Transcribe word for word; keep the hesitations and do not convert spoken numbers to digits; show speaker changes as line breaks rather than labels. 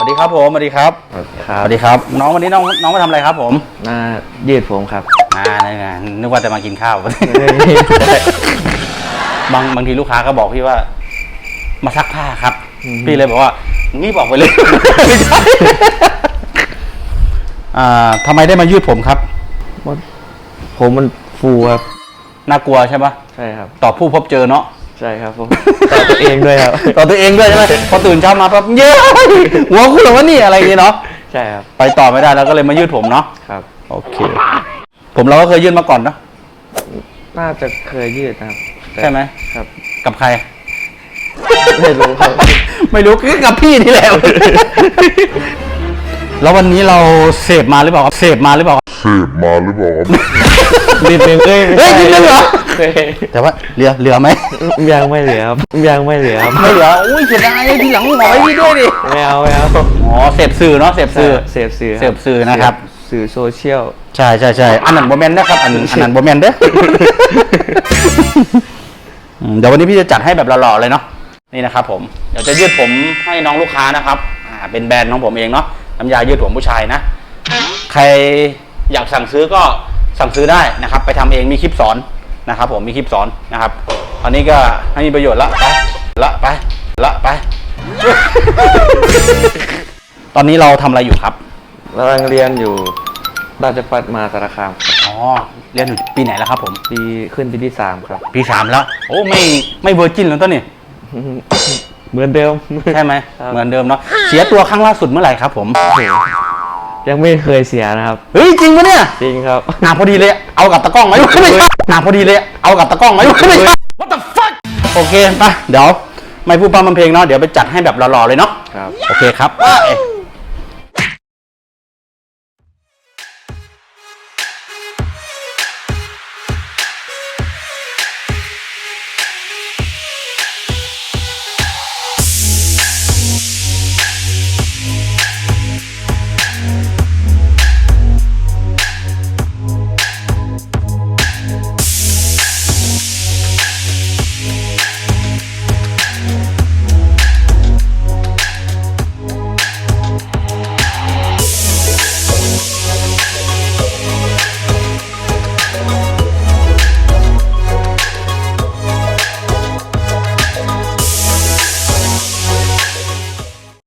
วัสดีครับผมสวัสดีครับสวัสดีครับน้องวันนี้น้องน้องมาทำอะไรครับผม
มายืดผมครับ
อ่านึกว่าจะมากินข้าวบางบางทีลูกค้าก็บอกพี่ว่ามาซักผ้าครับพี่เลยบอกว่านี่บอกไปเลยไม่ใช่อ่าทำไมได้มายืดผมครับ
ผมมันฟูครับ
น่ากลัวใช่ปะ
ใช่ครับ
ต่อผู้พบเจอเนาะ
ใช่ครับผมต่อตัวเองด้วยครับ
ต่อตัวเองด้วยใช่ไหมพอตื่นเช้ามาปั๊บเย้หัวคุณหรือว่านี่อะไรอย่างเงี้เนาะ
ใช่ครับ
ไปต่อไม่ได้แล้วก็เลยมายืดผมเนาะ
ครับ
โอเคผมเราก็เคยยืดมาก่อนเนาะ
น่าจะเคยยืดนะครับ
ใช่ไหม
ครับ
กับใคร
ไม่รู้ครับ
ไม่รู้คือกับพี่นี่แหละแล้ววันนี้เราเสพมาหรือเปล่าเสพมาหรือเปล่า
เสพมาหรือเปล่า
นิดนึงเอ้ย
เฮ้ยนิดนึงเหรอแต่ว่าเหลือเหลือไหม
ยังไม่เหลือครับยังไม่เหลือครับ
ไม่เหลืออุ้ยเสียดายทีหลังหมอพี่ด้วยดิ
ไม่เอาไม่เอา
อ๋อเสพสื่อเนาะเสพสื่อ
เสพสื่อ
เสพสื่อนะครับ
สื่อโซเชียล
ใช่ใช่ใช่อันนั้นโมเมนต์นะครับอันอันนั้นโมเมนต์เด้อเดี๋ยววันนี้พี่จะจัดให้แบบหล่อๆเลยเนาะนี่นะครับผมเดี๋ยวจะยืดผมให้น้องลูกค้านะครับอ่าเป็นแบรนด์ของผมเองเนาะน้ำยายืดผมผู้ชายนะใครอยากสั่งซื้อก็สั่งซื้อได้นะครับไปทำเองมีคลิปสอนนะครับผมมีคลิปสอนนะครับอันนี้ก็ให้มีประโยชน์ละไปละไปละไปตอนนี้เราทำอะไรอยู่ครับ
กำลังเรียนอยู่ราชภัฏมหาสารคาม
อ๋อเรียนอยู่ปีไหนแล้วครับผม
ปีขึ้นปีที่สามครับ
ปีสามแล้วโอ้ไม่ไม่เวอร์จินแล้วต้นนี่
เหมือนเดิม
ใช่ไหมเหมือนเดิมเนาะเสียตัวครั้งล่าสุดเมื่อไหร่ครับผม
ยังไม่เคยเสียนะครับ
เฮ้ยจริงปะเนี่ย
จริงครับ
หนาพอดีเลยเอากับตะกล้องไหมไม่ใช่หนาพอดีเลยเอากับตะกล้องไหมไม่ใช่ What the fuck โอเคไปเดี๋ยวไม่พูดพร่ำทำเพลงเนาะเดี๋ยวไปจัดให้แบบหล่อๆเลยเนาะ
ครับ
โอเคครับ